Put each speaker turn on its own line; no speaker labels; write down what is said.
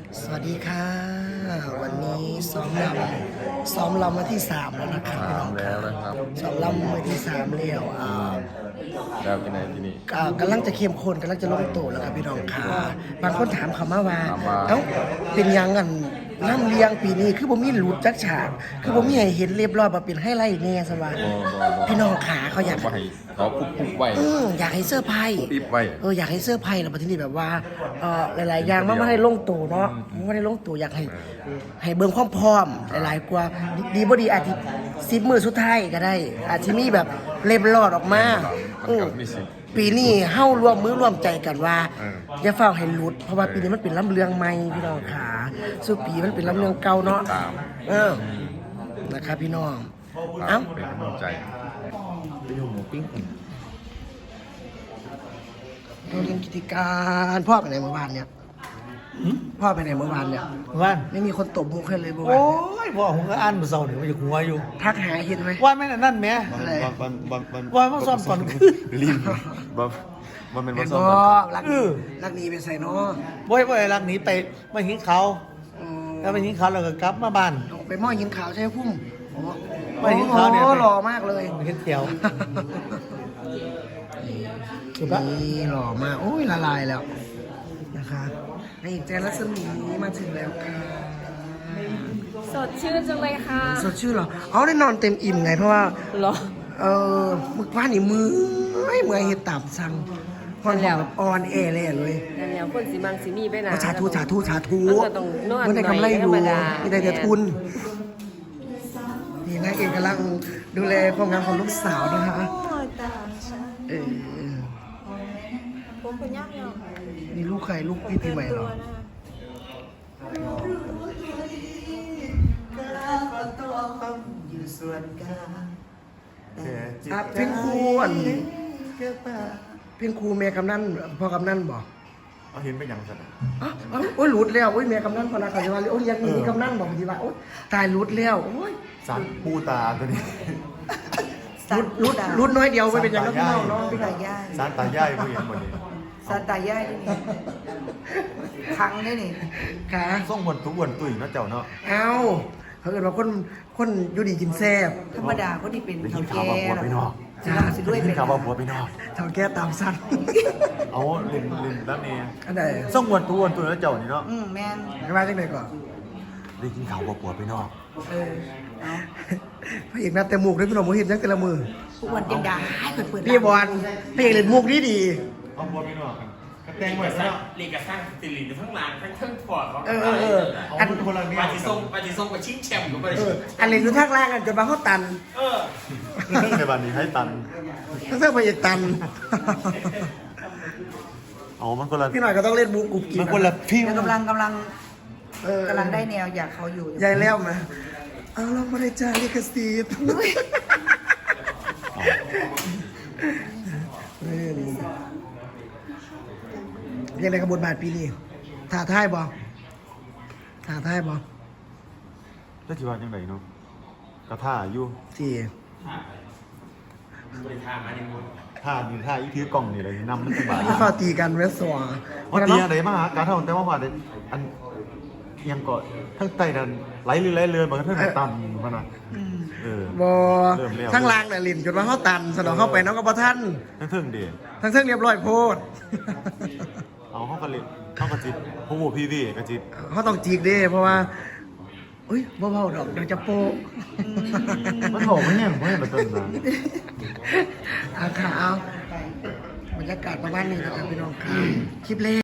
สวัสดีค่ะวันนี้ซ้อมลำมาที่3แล้วนะครับพี่น้องครับ
แล้วนะครับ
ซ้อมลำมาที่3แล้ว
แล้วที่ไหนที่นี่
กำลังจะเข้มข้นกำลังจะลงตัวแล้วครับพี่น้องค่ะบางคนถามเขามาว่า
ถามว่า
เอ้าเป็นยังกันน้ำเลี้ยงปีนี้คือบ่มีหลุดจักฉากคือบ่มีให้เห็นเรียบร้อยบ่เป็นไฮไลท์แน่ซะว่าพี่น้องขาเขาอยาก
ว่าให้เขาคุบไว้
อยากให้เสื้อร์ไพ่
อิบไว้
อยากให้เสื้อร์ไพ่แล้วประเทศนี้แบบว่าหลายๆอย่างมันไม่ได้ลงตัวเนาะมันไม่ได้ลงตัวอยากให้เบิ่งความพร้อมหลายๆกว่าดีบ่ดีอาจจะ10 มื้อสุดท้ายก็ได้ อาจจะมีแบบเล็บรอดออกมาปีนี้เฮ้าร่วมมือร่วมใจกันว่าอย่าเฝ้าให้หลุดเพราะว่าปีนี้มันเป็นลำเลืองใหม่พี่น้องขาสู้ปีมันเป็นลำเลืองเก่าเนาะนะครับพี่น้องเอ้า
เป็นกำลังใจไปอยู่หมูปิ้ง
เราเรียนกิจการพ่อไปไหนเมื่อวานเนี่ยพ่อไปไหนเมื่อวานเนี่ย
ว่าน
ไม่มีคนตบมุกให้เลยเมื่อวา
โอ้
น
ยพ่อผมก็อ่านมาเศร้าเนี่ยมันจะหัวอยู่
ทักหาเห็นไหม
ว่านแม่นั่นแม่
อะไร
ว่านมาซ่อมก่อนคือ
รีบมันเป็น
เป็
วัน
น
ซ้อ
บ่
ม
รักรักนี้เป็นไซโน
บ่อยรักหนีไปมาหิ้งเขาแล้วไปหิ้งเขาแล้วก็กลับมาบ้าน
ไปหม้อยินขาวใช่ไหมพุ่ม
ไปหิ้งเขาเนี่ย
หล่อมากเลย
เห็นเขียว
นี่หล่อมากโอ้ยละลายแล้วนะคะนายเอกแจนรัศมีมาถึงแล้วค่ะ
สดชื่นจังเลยค่ะ
สดชื่อเหรอเอาได้นอนเต็มอิ่มไงเพราะว่า
เหรอ
มึกว่านี่มือเห็ดตับสั่งพอนแล้วออนแอร์เลยเลย
นั่นแล้วคนสีมังสีมีไปนะ
สาธุมันได้กำไรอยู่นี่ได้แต่ทุนนี่นางเอกกำลังดูแลความงามของลูกสาวนะคะเออ
ผมเป็นยักษ์เนาะ
นี่ลูกใครลูกพี่ปีใหม่เหรอเป็นครูเป็นครูเมียกำนันพ่อกำนันบอก
เอาเห็นไปยังสัตว์
โอ้ยหลุดแล้วโอ้ยเมียกำนันพอนาคาจะว่าโอ้ยยังมีกำนันบอกทีว่าโอ้ยตายหลุดแล้วโอ้ย
สัตว์ปูตาตัวนี้
หลุดน้อยเดียวไม่เป็นอย่างนั้นพี่น้องเนาะ
ตายาย
สัตว์ตาย่ายผู้หญิงหมดนี้
ซาตายายนี่ครั้งนี่นี่
ค่ะ
ส่งบนทุกวันตุ่ยเนาะเจ้าเนาะ
เอาเขาเกิดว่าคนอยู่ดีกินแซ่บ
ธรรมดาเขาที่เป็น
ได้ยิ
เท่าน
ข่าว
แก่
ว่าผัวไปนอก
จ้าสิด้วย
ได้ยิ
เป็น น
ข่าวว่าผัวไปนอก
เท่าแก่ตามสั้น
เอาเล่นด้านนี้
อันไหน
ส่งวันทุกวันตุ่ยเนาะเจ้านี่เนาะ
แม่น
ไม่ว่าจังไหนก่อน
ได้ยินข่าวว่าผัวไปนอก
เออเอา
พระเอกนัดแต่หมูกด้วยพี่น้องมูเห็นยังแต่ละมือ
ทุกวันยังด่าให้เปิด
พี่บอลพระเอกเล่นมุกดีดี
เอาผัวไปนอกกระแตงไว้
สร้า
ซะ
งลีกกับสร้างติลินทั้งหลังทั้งเครื่องปอดเขา
อัน
คนละเนี่ย
ปาจิทรงกับชิงแชมป์กับไป
อันเล่นอยู่ทางล่างกันจนมาเขาตัน
เออ
ในบ้านนี้ให้ตัน
ทั้งเสื้อพระเอกตัน
เอามันคนละ
พี่หน่อยก็ต้องเล่นมุกกุบกิบ
มันคนละฟิว
แล้วกำลัง
กำลัง
ได้แนวอยากเขาอยู่
ยายแล้วมาเอาเราไม่ได้จ่ายลิขสิทธิ์ยังไงกับบทบาทปีนี้ถ่าท้ายบ่
แล้วจีว่าจังไงเนาะกระท่าอยู่
ที่
บริธามาในมือ
ท่านี่ท่าอีถือกล่องนี่เลยนำมันสบาย
ที่ฝ่าตีกันเวสสวา
ว่าตีอะไรมาหาการเท่าแต่ว่าว่าอันยังก็ทั้งไตดันไหลเรือบางท่านตันพนันเออบ
ทั้งล่างเนี่ยลินจนว่าเขาตันสนองเข้าไปน้องก็บ่ท่าน
ทั้งเทิงเดีย
ทั้งเส้นเรียบร้อยโพด
เอาเข้ากระลิเข้ากระจิตผู้บูพี่พี่กระจิต
เขาต้องจีกเด้เพราะว่าอุ้ยเบาๆดอกเดี๋ยวจะโปะ
มันบอกไม่เนี่ยไม่แบบนั้นนะ
อาขาวบรรยากาศประมาณนี้นะครับพี่น้องครับคลิปเล็ก